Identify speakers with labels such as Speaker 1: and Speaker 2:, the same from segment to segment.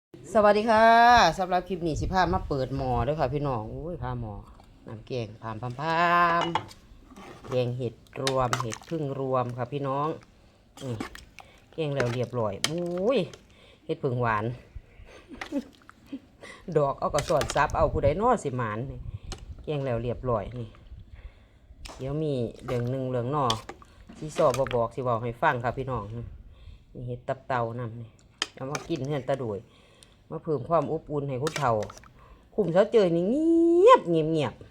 Speaker 1: สวัสดีค่ะสำหรับคลิปนี้สิพามาเปิดหม้อด้วยค่ะพี่น้องอุ้ยพาหม้อน้ำแกงพามแกงเห็ดรวมเห็ดพึ่งรวมค่ะพี่น้องแกงแล้วเรียบร้อยอุ้ยเห็ดพึ่งหวาน ดอกเอากระสอนซับเอาผู้ใดนอสิหมานนี่แกงแล้วเรียบร้อยนี่เดี๋ยวมีเหลืองหนึ่งเหลืองนอที่สอบบอกสิบอกให้ฟังค่ะพี่น้องนี่เห็ดตับเต่านำนี่เอามากินเฮือนตะโดยมาเพิ่มความอบอุ่นให้คุณเฒ่าคุมเช้าเจอนี่เงียบเงียบ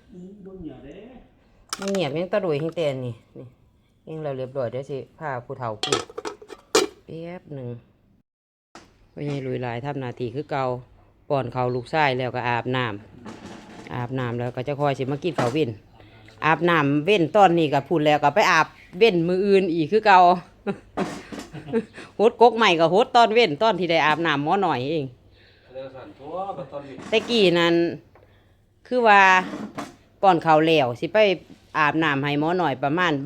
Speaker 1: ยังตะโดยแห้งแต่นี่ยังเราเรียบร้อยเดี๋ยวสิพาผู้เฒ่ากินแป๊บหนึ่งพ่อใหญ่ลุยลายทำนาทีคือเก่าป้อนเขาลูกชายแล้วก็อาบน้ำแล้วก็จะคอยสิมากินข้าวเว้นอาบน้ำเว้นตอนนี้ก็พูดแล้วก็ไปอาบเว้นมืออื่นอีกคือเก่า โฮดกกใหม่กับโฮดตอนเว้นตอนที่ได้อาบน้ำหม้อหน่อยเองแต่กี้นั้นคือว่าก่อนเขาแล้วสิไปอาบน้ำให้หม้อหน่อยประมาณ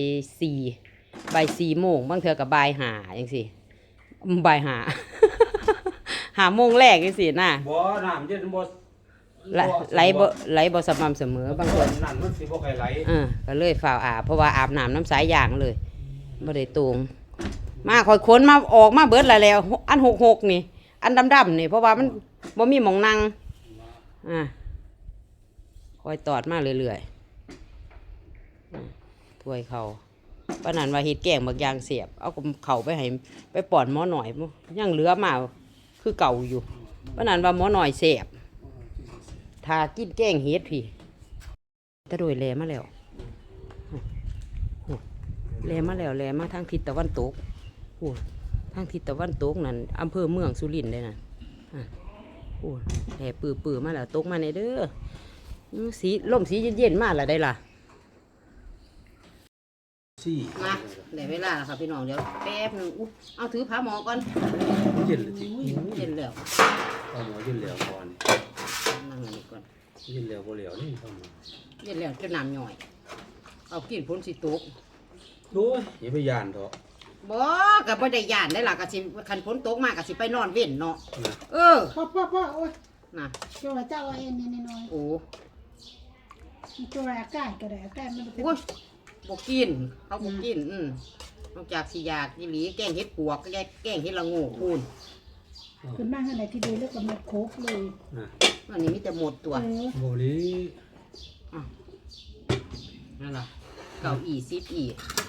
Speaker 1: บ่ายสี่โมงบางเทื่อกับบ่ายห้าอย่างสิบ่ายห้า 5 โมงแรกอย่างสิน่ะ
Speaker 2: บ่น้ำเย็นบ่
Speaker 1: ไหลบ่สม่ำเสมอบางคน
Speaker 2: นั่นมันสิบ่ค่อยไหล
Speaker 1: ก็เลยฝ่าอาบเพราะว่าอาบน้ำน้ำสายยางเลยบ่ได้ตวงมาคอยขนมาออกมาเบิดแล้วอัน66นี่อันดำๆนี่เพราะว่ามันบ่มีหม่องนั่งคอยตอดมาเรื่อยๆถ้วยเขาปานนั้นว่าเฮ็ดแกงบักอย่างเสียบเอาเขาไปให้ไปป้อนหม้อหน่อยยังเหลือมาคือเก่าอยู่ปานนั้นว่าหม้อหน่อยเสียบถ้ากินแกงเฮ็ดพี่ตะโดยแลมาแล้วแลมาทางทิศตะวันตกโอ้ทางทิศตะวันตกนั่นอำเภอเมืองสุรินทร์เลยนะโอ้แห่ปื้อมาแล้วตกมาในเด้อสีลมสีเย็นๆมาแล้วได้ล่ะมาได้เวลาแล้วค่ะพี่น้องเดี๋ยวแป๊บนึงเอาถือผ้าหมอก่อน
Speaker 2: เย็นเลยสิ
Speaker 1: เย็นแล้ว
Speaker 2: ผ้าหมอเย็นแล้วก่อน
Speaker 1: นั่งอันนี้ก่อน
Speaker 2: เย็นแล้วบ่แล้วนี่ผ้าหมอ
Speaker 1: เย็นแล้วจะน้ำย่อยเอากินพ้นสิตก
Speaker 2: โอ้ยอย่าไปย่านเถอะ
Speaker 1: บ่ก็บ่ได้ย่านได้ล่ะก็สิคันฝนตกมาก็สิไปนอนเว้นเนาะ
Speaker 3: พ่อโอ้ย
Speaker 1: น่ะ
Speaker 3: โจ้เจ้าเอาเอ็นนี่น้อย
Speaker 1: โอ้
Speaker 3: โจ้อากาศก็ได้อากาศมัน
Speaker 1: โอ้ยบ่กินเขาบ่กินนอกจากสิอยากอีหลีแกงเห็ดปวกก็แกงเห็ดละโงูคูณ
Speaker 3: ขึ้นมาข้างในที่ดูแล้วก็มาโคกเลย
Speaker 1: อันนี้มีแต่หมดตัว
Speaker 2: บ่ลี
Speaker 1: นั่นล่ะเก้าอี้10อี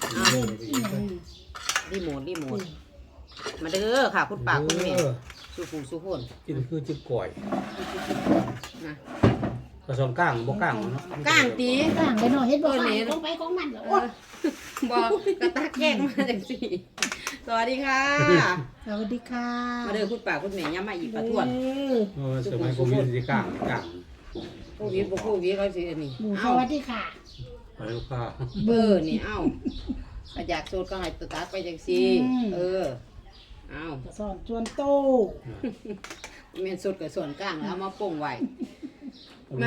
Speaker 1: รีโมทมาเด้อค่ะคุณป้าคุณแม่สู้คน
Speaker 2: กินคือจิบก่อย
Speaker 1: นะ
Speaker 2: กระสอบก้างบ่ก้างเนาะ
Speaker 1: ก้างตี
Speaker 3: ก้างไปหน่อยเฮ็ดบ่ได้ต้องไปของมันเหรอ
Speaker 1: บ่กระตากแกงมาจังซี่สวัสดีค่ะ
Speaker 3: สวัสดีค่ะ
Speaker 1: มาเด้อคุณป้าคุณแม่ย้ำมาอีกประท้วง
Speaker 2: สมัยโควิดสิก้าง
Speaker 1: โควิดเขาสิอันนี้
Speaker 3: สวัสดีค่ะ
Speaker 2: ไปลูกค้า
Speaker 1: เบอร์นี่อยากโซดก็ให้ตัดไปจังซี่
Speaker 3: สอนชวนโต
Speaker 1: แม่นสดกับส่วนกลางแล้วเอามาป่งไว้มา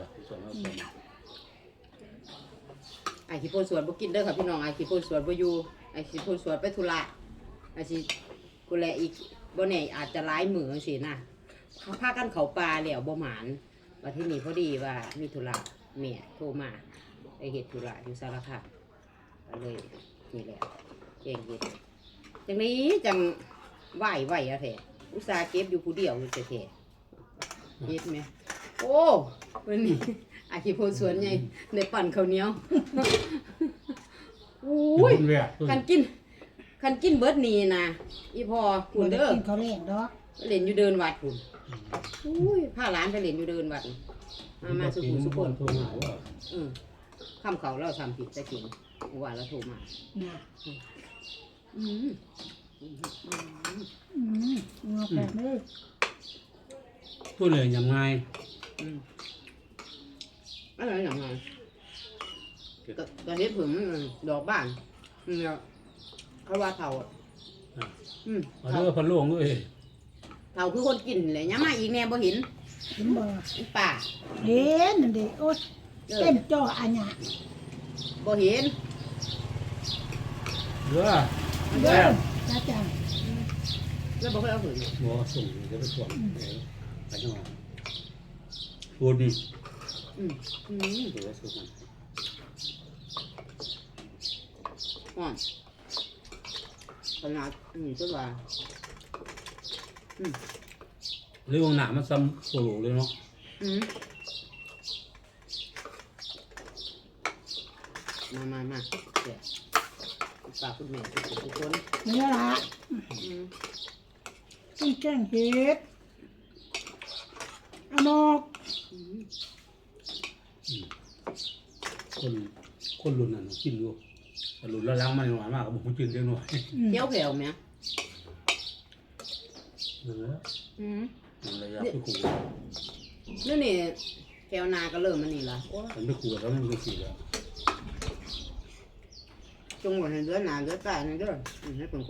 Speaker 1: ไอ้ขี้โพนสวนบ่กินเด้อค่ะพี่น้องไอ้ขี้โพนสวนบ่อยู่ไอ้ขี้โพนสวนไปธุระไอ้สิกูแลอีกบ่แน่อาจจะหลายมื้อจังซี่นะเขาพากันเข้าป่าแล้วบ่หมานว่าที่นี่พอดีว่ามีธุระแม่โทรมาไปเฮ็ดธุระอยู่สารคามก็เลยนี่แหละแกงเฮ็ดจังนี้จังไหวอะแท้อุตส่าห์เก็บอยู่ผู้เดียวอยู่แท้ๆเฮ็ดไหมโอ้วันนี้อาชีพโพสวนใหญ่ได้ปั่นข้าวเหนียวอุ้ยคันกินเบิดนี่นะอีพอคุณเด้อ
Speaker 3: กินเขาเล่นดอก
Speaker 1: เล่นอยู่เดินวัดคุณอุ้ยพาหลานไปเล่นอยู่เดินวัดมาสุขุมสุขนคำเขาเราทำผิดจะกินว่าเราโทรมา
Speaker 3: งอแบบนี้
Speaker 2: ตัวเหลืองยังไง
Speaker 1: อะไรอย่างไงก็เห็ดผึ่งดอกบ้านเนี่ยเขาว่าเถา
Speaker 2: เถาพันหลวงด้วย
Speaker 1: เถาคือคนกินเลยยังมาอีกแน่บ่เห็น
Speaker 3: บ่
Speaker 1: ป่า
Speaker 3: เห็นนั่นดิโอ้เต็มจออันเนี้ย
Speaker 1: บ่เห็น
Speaker 2: เด้อ
Speaker 3: จ้าจัง
Speaker 1: แล้วบอกให้เอาหืน
Speaker 2: บ่ส่งจะไปส่งไปจังหวัดพูดนี่
Speaker 1: อืม
Speaker 2: เดี๋ยวส่งมัน
Speaker 1: อ่อนขนาดต้นว่า
Speaker 2: เรื่องหนามันซ้ำโซโลเลยเนาะ
Speaker 1: มาเดี๋ยวฝากคุณแม่ทุกคน
Speaker 3: นี่ละต้องแกงเห็ดอานอก
Speaker 2: คนรุ่นนั้นกินอยู่แต่รุ่นละล้างมันหวานมากกับผมกินเล็กน้อย
Speaker 1: เที่ยวแผ่วไหม
Speaker 2: เออมันระยะไปขู่
Speaker 1: นี่แผ่วนาก็เริ่มมันนี่ละ
Speaker 2: มันไปขู่แล้วมันก็สีแล้ว
Speaker 1: จงหมดในเดือนหนาเดือนใต้ในเดือนให้ผม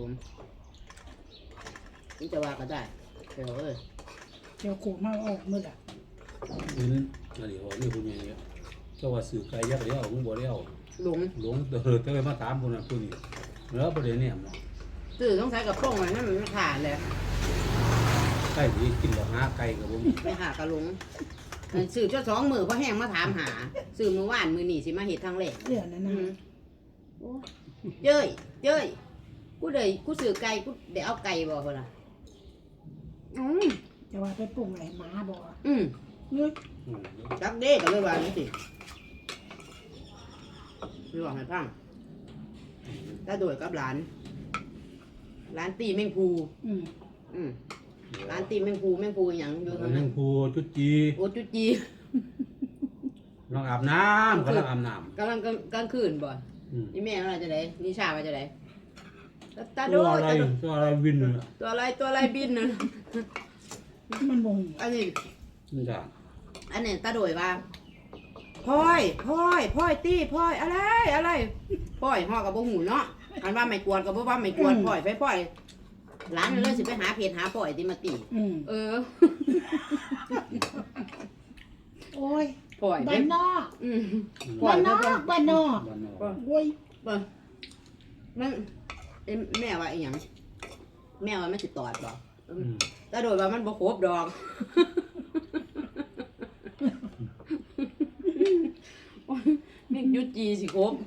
Speaker 1: นี่จะว่าก็ได้แผ่ว
Speaker 3: เดี๋ยวโขกมาออกมือละ
Speaker 2: นี่อะไรวะนี่คุณยังเงี้ยเจ้าว่าสื่อไกลยักษ์เลี้ยวมึงบ่เลี้ยว
Speaker 1: หลง
Speaker 2: หลงเดินเตยมาถามคนนั้นคนนี้แล้วประเด็นเนี่ยเนาะ
Speaker 1: ตื่นต้องใช้กับป้องไว้นั่นมันขาดเลย
Speaker 2: ไก่ที่กินดอกหาไก่กับผม
Speaker 1: ไปหากระลงสื่อเจ้าสองมือเพราะแห้งมาถามหาสื่อมือว่านมือหนีสิมาเห็ดทางเล็ก
Speaker 3: เดี๋ยวนั้นนะ
Speaker 1: เย้ยกูสื่อไก่กูเดี๋ยวเอาไก่บอกคนละ
Speaker 3: จะว่าไปปรุงอะไรหมาบ่นึก
Speaker 1: จักเด้กันเลยว่านี่สิไม่บอกให้พังถ้าโดยกับหลานตีแมงภูร้านตีแมงภูอย่างอยู่ตรง
Speaker 2: แม
Speaker 1: นั้น
Speaker 2: งภูจุดจี
Speaker 1: โอ้จุจี
Speaker 2: ลองอาบน้ำกำลังอาบน้
Speaker 1: กำลังกลางคืนบ่
Speaker 2: ำ
Speaker 1: นี่แม่เราจะไหนนี่ชาว่าจะไหนตาโด
Speaker 2: ตัวอะไรตัวอะไรวินเลย
Speaker 1: ตัวอะไรบินน่ะ
Speaker 3: มันบ่ง
Speaker 1: อันนี้
Speaker 2: มันจะ
Speaker 1: อันนี้ตาโดยว่าพลอยตีพลอยอะไรพลอยห่อกับบ่หูเนาะอันว่าไม่กวนกับบ่ว่าไม่กวนพลอยร้านนั่นเลยสิไปหาเพจหาพลอยที่มาตี
Speaker 3: โอ้ย
Speaker 1: พลอย
Speaker 3: บ้านนอก
Speaker 1: พลอ
Speaker 3: บ้าย นนอกบ้านนอก
Speaker 2: บ้านนอก
Speaker 3: โอ้ย
Speaker 1: มันแม่ว่าอีหยังแม่ว่ามันสิตอดบ่ตาโดยว่ามันบ่ครบดอกนี่ยุจีสิครบ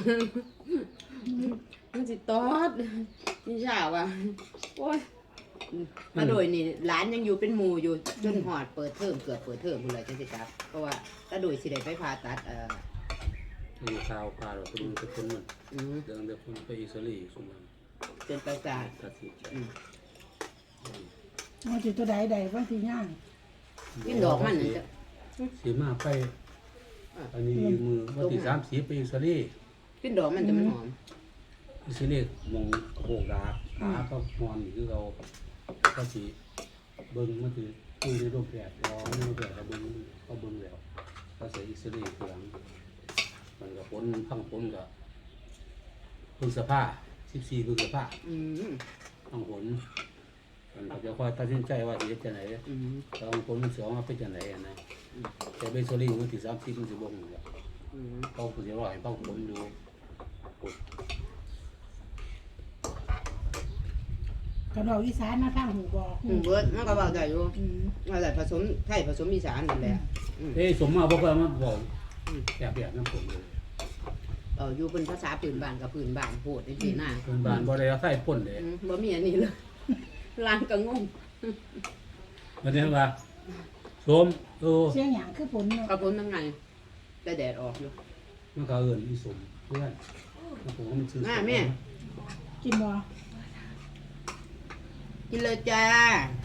Speaker 1: มันสิตอดนี่ชาว่ะโอ้ยมาโดยนี่ร้านยังอยู่เป็นหมู่อยู่จนหอดเปิดเทอมเกือบเปิดเทอมพุ่นเลยจังสิครับเพราะว่าตาโดยสิได้ไปผ่าตัด
Speaker 2: มีข่าวพาเราไปดูสักคนมันเดินเดินคนไปอิสราเอลสมบัติ
Speaker 1: เป็นประสาท
Speaker 2: ตัดสินใจ
Speaker 3: มันสิตัวใดบางทีย่าง
Speaker 1: กินดอกมันนี่จ้ะ
Speaker 2: สีมาไปอันนี้มือวันที่30ไปอิสราเอล
Speaker 1: กินดอกมันจะมันหอม
Speaker 2: อิสราเอลมองโบกดาขาก็นอนอยู่คือเราก็สิเบิ่งมันคือคุยในรูปแบบรอไม่รูปแบบเราเบิ่งแล้วก็ใส่อิสราเอลทีหลังมันก็พ้นพังพ้นก็พฤษภา14พฤษภาพังพ้นมันก็จะคอยตัดสินใจว่าจะจะไหนต้องพ้นมันเสียมาเป็นจะไหนนะแต่เบสโซลี่มันที่30มันสิบ่งแล้วเขาสิรอให้พังพ้นดู
Speaker 3: กระดอกอีสานมาทางหูบอก
Speaker 1: เบิดมันก็บอกได้อยู่ว่าได้ผสมไทยผสมอีสานนั่นแหละ
Speaker 2: สมมาบอกว่ามันบอกแบบน้ำผลเลย
Speaker 1: อยู่เป็นภาษาปืนบ้านกับปืนบ้านโพดในปีหน้า
Speaker 2: เป็นบ้านบ่ได้ใส่พ่นเลย
Speaker 1: บ่มีอันนี้เลยร้านก็งง
Speaker 2: มันเนี่ยว่าสม
Speaker 3: เสียงหยังคือผลเนาะ
Speaker 1: กระปุนทั้งไงแต่แดดออกอยู่
Speaker 2: มันก็เอิ้นอีสมเพื่อนผมก็มันซื้อ
Speaker 1: แม่
Speaker 3: กินบ่
Speaker 1: กินเลยจ้า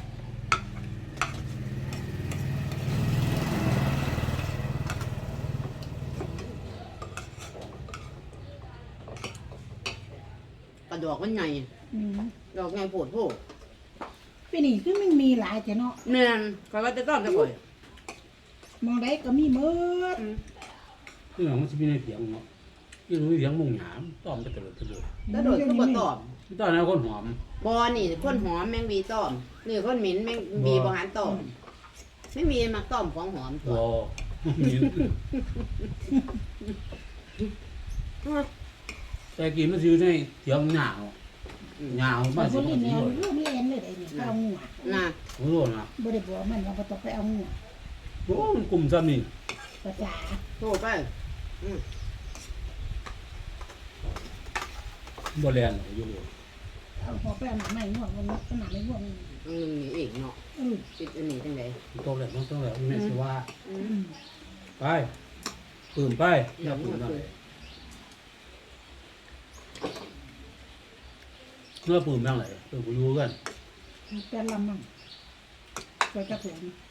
Speaker 1: ก็ดอกมันใหญ่ดอกใหญ่โผดโผด
Speaker 3: ปีนี้คือมันมีหลายแต่เนาะ
Speaker 1: เนียนคอยว่าจะต้อนจะบ่อย
Speaker 3: มองได้ก็มีหมด
Speaker 2: ที่หลังมันจะมีในเสียงเนาะที่รู้เสียงมุงหยามต้อมไปตลอด
Speaker 1: แล้วโดดก็บ่ตอบ
Speaker 2: ตอนนั้นคนหอม
Speaker 1: บอนี่คนหอมแมงวีต้อมนี่คนหมิ่นแมงวีบหารต้อมไม่มีมักต้อมของหอมตัว
Speaker 2: มีแต่กี้มันอยู่ในเสียงหนาว
Speaker 3: มั
Speaker 2: มาน สิ
Speaker 3: บ่
Speaker 2: บ่
Speaker 3: เล่น
Speaker 2: ดี
Speaker 3: แนว
Speaker 2: เลย
Speaker 3: เรื่องเล่นเลยเลยได้เนี่ยไปเอางัว
Speaker 1: น่ะ
Speaker 2: โอ้โหนะ
Speaker 3: บ่ได้บอกมันว่าบ่ต้องไปเอางัว
Speaker 2: โอ้มันกลุ่มซ้ำนี่
Speaker 3: ภาษา
Speaker 1: โทรไปอืม
Speaker 2: บ่แลนอยู่เลย
Speaker 3: เอาพอไปเอาหนังใหม่งัวมันขนาดไม่งัวมัน
Speaker 1: อันนึงนี่เองเนาะ
Speaker 3: อือ
Speaker 1: ติดอันนี้จังได๋
Speaker 2: ต้องแล้วต้องแล้วแม่สิว่า
Speaker 1: อื
Speaker 3: อื
Speaker 1: ม
Speaker 3: ม
Speaker 2: ไปปืนไปอย่าปืนนั่นเมื่อปืนบ้างไหนเออกูรู้กัน
Speaker 3: เป็นลำมั่งก็จะผม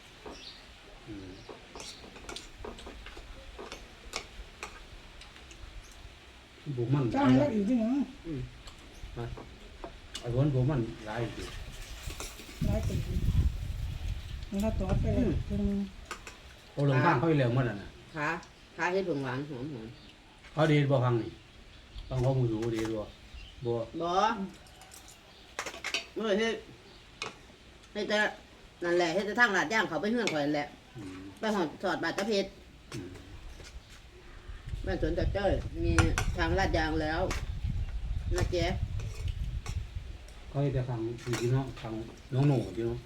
Speaker 2: บุมัน
Speaker 3: จ้างแล้วอีกที่หยัง
Speaker 1: อืม
Speaker 2: ไอ้คนบุมันหลายอยู่
Speaker 3: หลายปีมันก็ตอดไปเลยถึง
Speaker 2: เขาลงข้างเขาไปแล้วมันน่ะ
Speaker 1: ขาเฮ็ดเบิ่งหวานหอม
Speaker 2: เขาดีบ่ฟังนี่ฟังเขามูอยู่ดีบ่บ่
Speaker 1: ๆบ่เมื่อเฮ็ดให้แต่นั่นแหละเฮ็ดแต่ทางลาดย่างเขาไปเฮือนข่อยนั่นแหละ
Speaker 2: อืม
Speaker 1: ไปหอดสอดบาดตะเพชร
Speaker 2: อืม
Speaker 1: บ้านสวนตะเจ้ยมีทางลาดยางแล้วนะเจ๊
Speaker 2: เขาจะฟังพี่น้องฟังน้องหนูพี่น้อง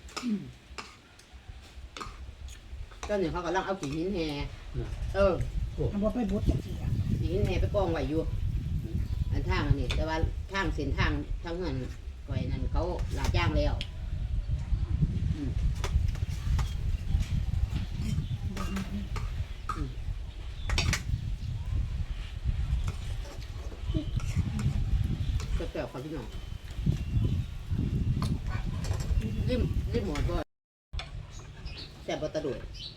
Speaker 1: ก็เนี่ยเขากำลังเอาขี้หินแห่เออ
Speaker 3: เอาบ่ไปบดจังซี่อ่ะ
Speaker 1: ขี้หินแห่ไปกองไว้อยู่อันทางอันนี้แต่ว่าทางเส้นทางทางเงินก่อยนั่นเขาลาดยางแล้วก็แปลกความพี่น้องริมหมดก็แต่บตะดุย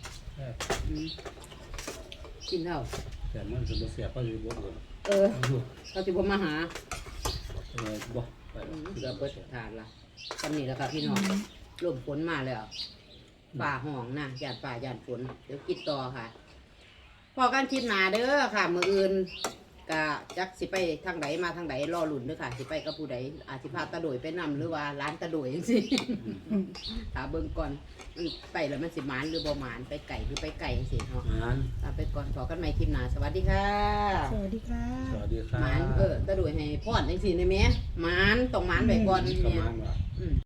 Speaker 1: กินเท่า
Speaker 2: แต่มันจะบ่เสียก็จะบ่เกิน
Speaker 1: เออเขาจะบ่มาหา
Speaker 2: บ่ไป
Speaker 1: เกือบเปิดทานละตอนนี้แล้วค่ะพี่น้องลมฝนมาแล้วป่าห้องนะหยาดป่าหยาดฝนเดี๋ยวกินต่อค่ะ พอกันคลิปหนาเด้อค่ะมืออื่นกะจักสิไปทางไหนมาทางไหนรอหลุนเด้อค่ะสิไปกับผู้ใดอาจสิพาตะโดยไปนำหรือว่าร้านตะโดยจังซี่ ถาเบิ่งก่อนไปแล้วมันสิหมานหรือบ่หมานไปไก่หรือไปไก่จังซี่เนาะ
Speaker 2: งั้น
Speaker 1: ลาไปก่อนพอกันใหม่คลิปหน้าสวัสดีค่ะ
Speaker 3: สวัสดีค่ะ
Speaker 2: สวัสดีครั
Speaker 1: หมาน
Speaker 2: บ
Speaker 1: ตะโดยให้พรจังซี่ได้แม่หมานต้องหมานไว้ก่อน
Speaker 2: ประ
Speaker 1: แม่
Speaker 2: มาณว่า
Speaker 1: อืม